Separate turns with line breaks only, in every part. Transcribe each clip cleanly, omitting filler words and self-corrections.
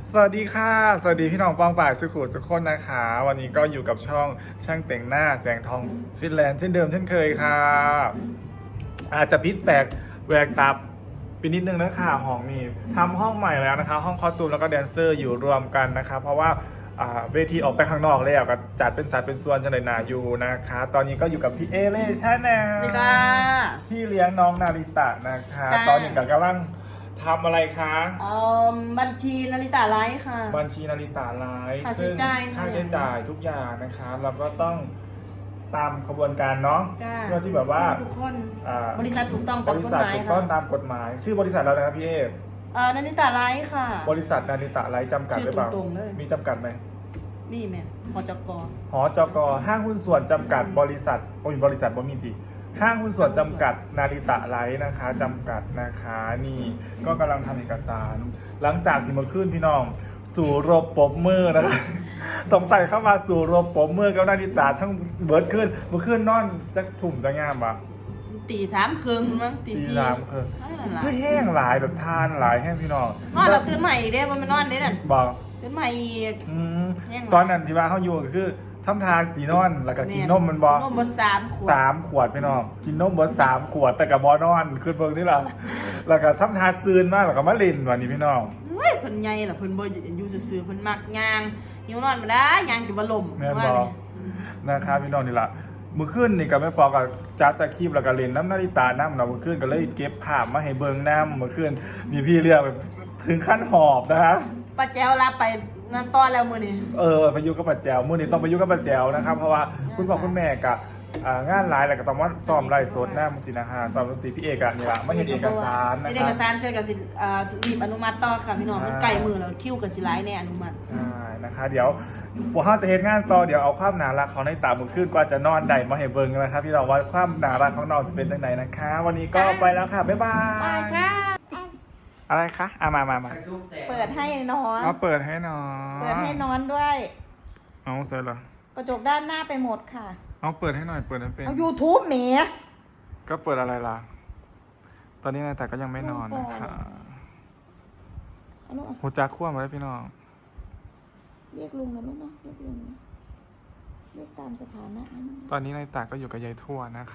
สวัสดีค่ะสวัสดีพี่น้องปองป่ายสุขุทุกคนนะคะวันนี้ก็อยู่กับช่องช่างแต่งหน้าแสงทองฟินแลนด์เช่นเดิมเช่นเคยค่ะอาจจะพิษแปลกแหวกตาไปนิดนึงนะคะห้องนี้ทำห้องใหม่แล้วนะคะห้องคอสตูมแล้วก็แดนเซอร์อยู่รวมกันนะคะเพราะว่าเวทีออกไปข้างนอกแล้วก็จัดเป็นสัดเป็นส่วนจังเลยนาอยู่นะคะตอนนี้ก็อยู่กับพี่เอเล่ชาแนล
สวัสดีค่ะ
พี่เลี้ยงน้องนาริตะนะคะ
จ้า
ตอนนี้กำลังทำอะไรคะ
บัญชีนาริตาไลฟ์ค่ะ
บัญชีนาริตาไลฟ์
ค่าใช้
ซึ่ง
จ่าย
ค่าใช้จ่ายทุกอย่างนะครับเราก็ต้องตามขบวนการเนาะ
จ้า
เพื่อที่แบบว่า
ทุกคน
อ่า
บริษัทถูกต้อง
บ
ตาม
ริ
กฎ
ษัท
หมาย
ถูกต้
ค่ะ
องตามกฎหมาย ชื่อบริษัทเราเลยนะพี่เอ
นาริตาไลฟ์ค่ะ
บริษัทนาริตะไลฟ์จำกัดหรือเปล่า
ชื่อตรงๆเลย
มีจำกัดไหม
นี่แม่พจก
หจกห้างหุ้นส่วนจำกัดบริษัทบริษัทบ่มีจีห้างหุ้นส่วนจำกัดนาริตะไลฟ์นะคะจำกัดนะคะนี่ก็กำลังทำเอกสาร หลังจากสิมาขึ้นพี่น้อง สู่รบปบมือนะคะต้องใส่เข้ามาสู่รบปบมือกับนาริตะทั้งเบิร์ดขึ้นเมื่อคืนนอนจะถุ่มจะงามปะ
ตีสามครึ่งมั้งตี
ตี
สี่
สามคือ
นั่นแหละ
คือแห้งหลายแบบทานหลายแห้งพี่น้อง
นอนเราตื่นใหม่อีกเด้มันไม่นอนเด้นั่น
บอก
ตื่นใหม่อีก
อืม
แห้งหลาย
ตอนนั้นที่ว่าเขาอยู่ก็คือทำทางสีนอนแล้วก็กินนมมันบอก
นมบน3 ขวด
3 ขวดพี่น้องกินนมเบิด3 ขวดแต่กับบอนอนขึ้นเบิ่งที่เราแล้วก็ทำทานซืนมากแล้วก็มาเล่นวันนี้พี่น้อง
เฮ้ยเพิ่นใหญ่ล่ะเพิ่นบ่อยู่ซื่อๆเพิ่นมักย่างหิวนอนมาได้ย่างจุบ่ลม
แม่น
ว่า
บอ
เลย
นะครับพี่น้องนี่ละมือขึ้นนี่ก็ไม่พอกับจัดสคริปต์แล้วก็เล่นน้ำนาฬิตาน้ำเนาะมือขึ้นก็เลยเก็บภาพมาให้เบิ่งน้ำมือขึ้นมีพี่เรียกแบบถึงขั้นหอบนะคะ
ป้าแจ้วรับไปนั่นตอนแล้วมื้อนี้
ไปอยุกับปัจแจวมื้อนี้ต้องไปอยุกับปัจแจวนะครับเพราะว่าคุณพ่อคุณแม่กับงานหลายแล้วก็ต้องว่าซ้อมไล่สดน้ำสินะฮะซ้อมดนตรีพี่เอกอะนี่ละมาเห็นเอกสารนะ
เฮ็ด
ค
เอ
รั
ก
บ
สารเสร็จก็สิรีบอนุมัติต่อค่ะพี่น้อง
ใช่
มันใกล้มือแล้วคิวก็สิหลายแน่อนุมัติ
ใช่นะคะเดี๋ยวพวกเขาจะเห็นงานต่อเดี๋ยวเอาความหนารักของในตามือขึ้นกว่าจะนอนได้มาให้เบิ่งนะครับพี่น้องว่าความหนารักของน้องจะเป็นจังไหนนะคะ วันนี้ก็ไปแล้วค่ะบ๊ายบาย
ไปค่ะ
อะไรคะมา
เปิดให้นอน
เอาเปิดให้หน่อย
เปิดให้นอนด้วย
เอาเสร็จเหรอก
ระจกด้านหน้าไปหมดค่ะ
เอาเปิดให้หน่อยเปิดให้เป็น
เอา YouTube แหม
ก็เปิดอะไรล่ะ ตอนนี้นายแต่ก็ยังไม่นอนนะคะ
เอาลูก
หัวจักขั้วมาแล้วพี่น้อง
เรียกลุงนะลูกเนาะเรียกลุงนะเรียกตามสถานะนะลูก
ตอนนี้นายตาก็อยู่กับยายทั่วนะคะ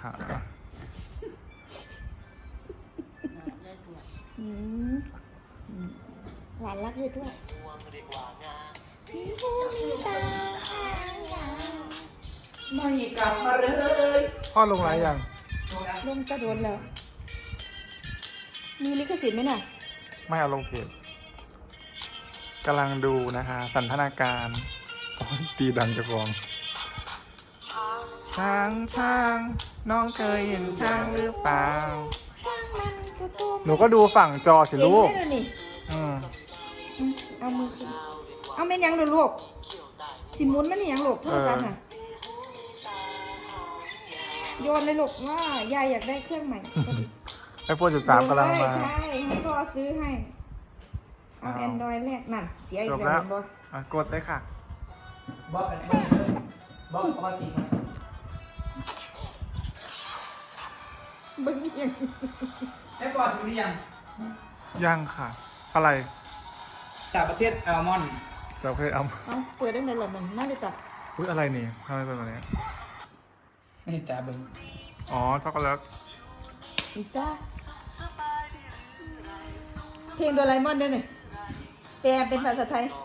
อืมหลานรักเลยด้วยไม่กลับมาเลย
พ่อลงไลน์ยัง
ลงกระโดดแล้ว มีลิขสิทธิ์ไหมน่ะ
ไม่เอาลงเพจกำลังดูนะคะ สันทนาการโอ้ยตีดังจะกองช้างน้องเคยเห็นช้างหรือเปล่า หนูก็ดูฝั่งจอสิลูก
เห็นไหมนี่
อืม
เอามือขึ้นเอาแม่นยังดูลูกสิหมุนมันนี่ยังลูกโทรศัพท์น่ะโยนเลยลูกว่ายายอยากได้เครื่องใหม่พอดี
ไอโฟน13กำลังมา
ใช่ให้พ่อซื้อให้ เอา Android แรกนั่นเสียอี
จ
ก
บ
แล้
แล้ว ว
เห็นบ่
กดเลยค่ะ
บอกปกติ
บึ้งยัง
ไอ้ปอดสิยัง
ยังค่ะ อะไร
จากประเทศอัลมอนด์
จะเคยเอา
เอาเปิดได้ไหนล่ะมันน่าจะตัด
อุ้ยอะไรนี่ทำไมเป็นแบบนี้
นี่แต่เบิ้ง
อ๋อช็อกโกแลต
อีจ้าเพลงโดราเอมอนด้วยนี่แปลเป็นภาษาไทย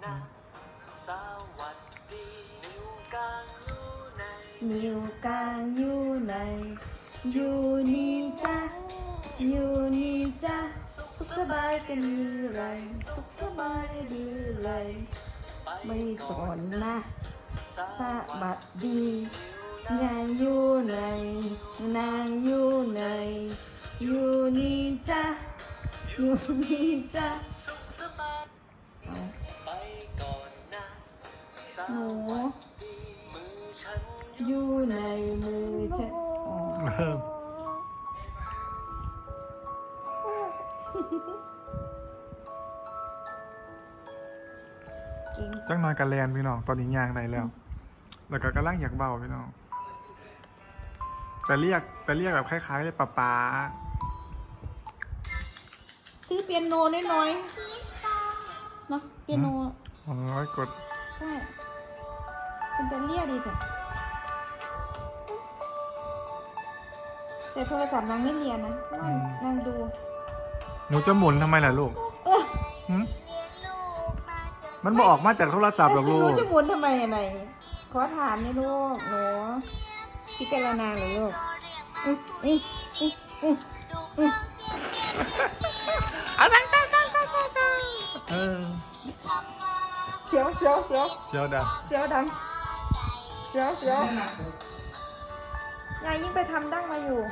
นิ้วกลางอยู่ไหนอยู่นี่จ้าอยู่นี่จ้าสุขสบายกันหรือไรสุขสบายหรือไรไม่ก่อนนะสวัสดีนางอยู่ไหนนางอยู่ไหนอยู่นี่จ้าอยู่นี่จ้าหนูอยู่ในมือฉันอ๋อ เก่ง
จังน้อยกันแลนพี่น้อง ตอนนี้ยางได้แล้ว แล้วก็กำลังอยากเบาพี่น้อง แต่เรียกแบบคล้ายๆเลยป๊า
ซื้อเปียโนน้อยๆเนาะเปียโน
อ๋อกด
ใช่เป็นแต่เรียดีแต่โทรศัพท์นางไม่เรียนนะเพราะว่านางดู
หนูจะหมุนทำไมล่ะลูก
เออ
หึมันบอกออกมาจากโทรศัพท์หรอก
จะ
ลู
รู้
ก
จะหมุนทำไมอะไรขอถามนี่ลูกหนูพิจารณาเลยลูกอืออืออืออืออือ
อะไรเออ
เสียวเสียวเสียว
เชียวดัง
เสียวดังเสียวเสียว ยายยิ่งไปทำดั้งมาอยู่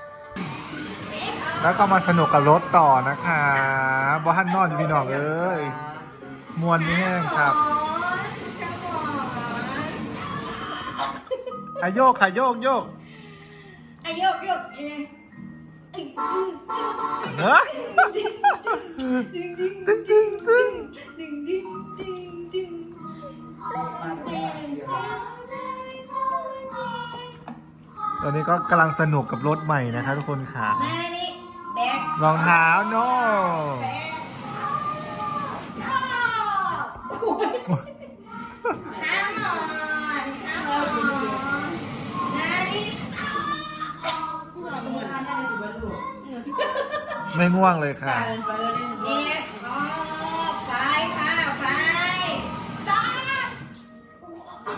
แล้วก็มาสนุกกับรถต่อนะคะบอฮันนอนพี่น้องเอ้ยมวนนี่แห้งครับอะโยกค่ะโยกโยก
ไอโยกโยกเอง
เนอะตึ้งตึ้งตึ้ง
ดึงดึงดึงดึง
ตอนนี้ก็กำลังสนุกกับรถใหม่นะคะทุกคนค่ะ
แม่นี่แบก
รองเท้าโน่
ข้ามหมอนข้ามหมอนนาฬิกา
ไม่ง่วงเลยค่ะ
เด็กออกไปค่ะไปสตาร์ท
โอ้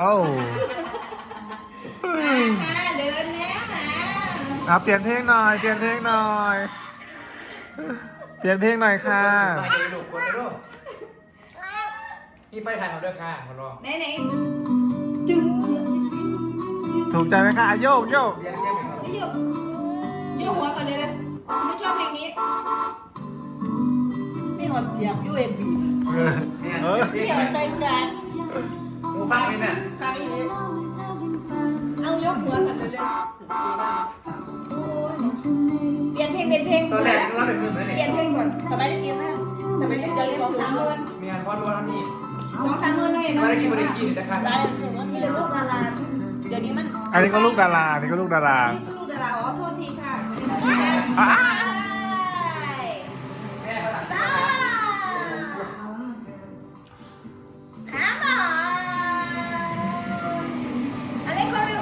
ค่ะเดินแล้วค่ะ
เปลี่ยนเพลงหน่อย เปลี่ยนเพลงหน่อย เปลี่ยนเพลงหน่อยค่ะ
ไปเลยลูกกดเลยลูกนี่ไฟถ่ายเขาด้วยค่ะขอร้อง
ไหนไหนจึง
ถูกใจไหมคะอ่ะโยกโยก
เรียนเรียน
ไอ้โยกโยกหัวก่อนเลยนะไม่ชอบเพลงนี้ไม่หอดเสียบ USB
เออ
เนี่ย
เออ
จริง
ไม่หอดใส่กัน
หูฟังไหมน่ะ
ไกลเลยเอายกหัวกันเลยเลยโอ้ยเปลี่ยนเพลงเป็นเพลง
ตอนแรกเราเป็นเพื่อนไหม
เปลี่
เนี่ย ย
นเพลงก่อนสมัยเด็กๆนะสมัยเด็กๆ2-3 หมื่น
มีงานพอดวันนี้
2-3 หมื่นเลย
ต
เนาะ
อนแรกกินบริกีนะครับ
รายส่วนว่ามีแต่ลูกดาราเดี๋ยวนี้มัน
อันนี้ก็ลูกดาราอันนี้ก็ลูกดารา
นี่ก็ลูกดาราอ๋อโทษทีค่ะ
อ่ะ
แม่เขาตัด
ขาหมออะไรก็เร็ว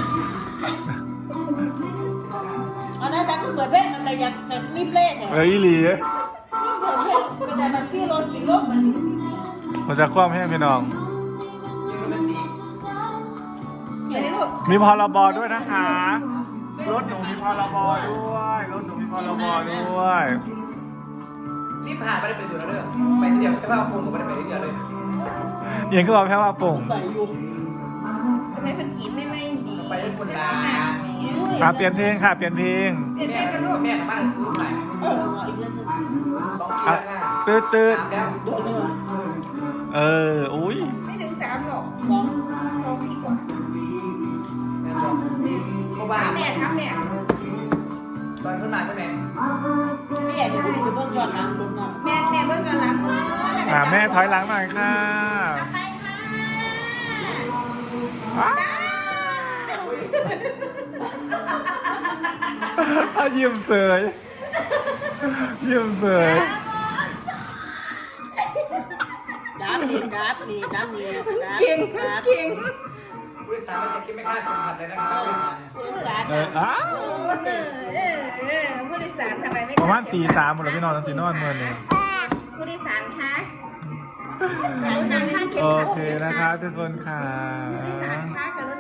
อันนั้นจะคือเปิดเพลงมันแต่อยากแบบรีบเล่นเนี่ย
เอ้ยอีหลี
เปิดเพลงเป็นแต่แบบที่รถติดลบมัน
มันจะคว่ำให้พี่น้อง
ยิงโรแมนติก
เดี๋ยวนี้ลูก
มีพรบด้วยนะคะ รถหนูมีพรบด้วย รถหนูมีพรบด้วย
รีบผ่านไปได้ไปดูแล้วเด้อไปทีเดียวแต่ว่าโฟนก็ไม่ได้ไปทีเดียวเลย
เอียงก็บอกแค่ว่าปุ่ง
สมัยเป็นกีไม่ดี
ไปได้คนละ
เปลี่ยนเพลงค่ะ เปลี่ยนเพลง
เปลี่ยนเพล
แม่
งกันลูก
แม่กับบ้านซื้อใหม่
เอออีกเรื่องนึง
2 ปีแล้วค่ะ
ตืดตืด
ตามแล้ว
โดนเลย
เออ อุ้ย
ไม่ถึง3 หรอก2 ปีกว่า
แม่บอกเพราะว่า
ถามแม่ถามแม่
ตอนขึ้นมาใช่ไหม
ไม่อยากจะให้ดูเบื้องย้อนหลังดูหน่อยแม่เบื้องย้อนหลัง
แม่ถอยหลังหน่อยค่ะ
ไปค่ะ
ยิ้มเสยยิ้มเสย
ดับนี่ดับนี่ดับนี่ดับ
เก่ง
ดับ
เก่ง
ผู้โดยสารไม่ใช่คิดไม่คาดคนขับเลยนะครับผู้โดยสารเนี่ย
ผู้โดยสาร
อ้าว
ผู้โดยสารทำไมไม่
ประมาณตีสามหมดแล้วพี่นอนสีนอนเมื่อนี้
ผู้โดยสารคะกรุณาข้างเข็ม
โอ
ขัด
เคนะครับทุกคนค่ะ
ผู้โดยสารคะกรุณา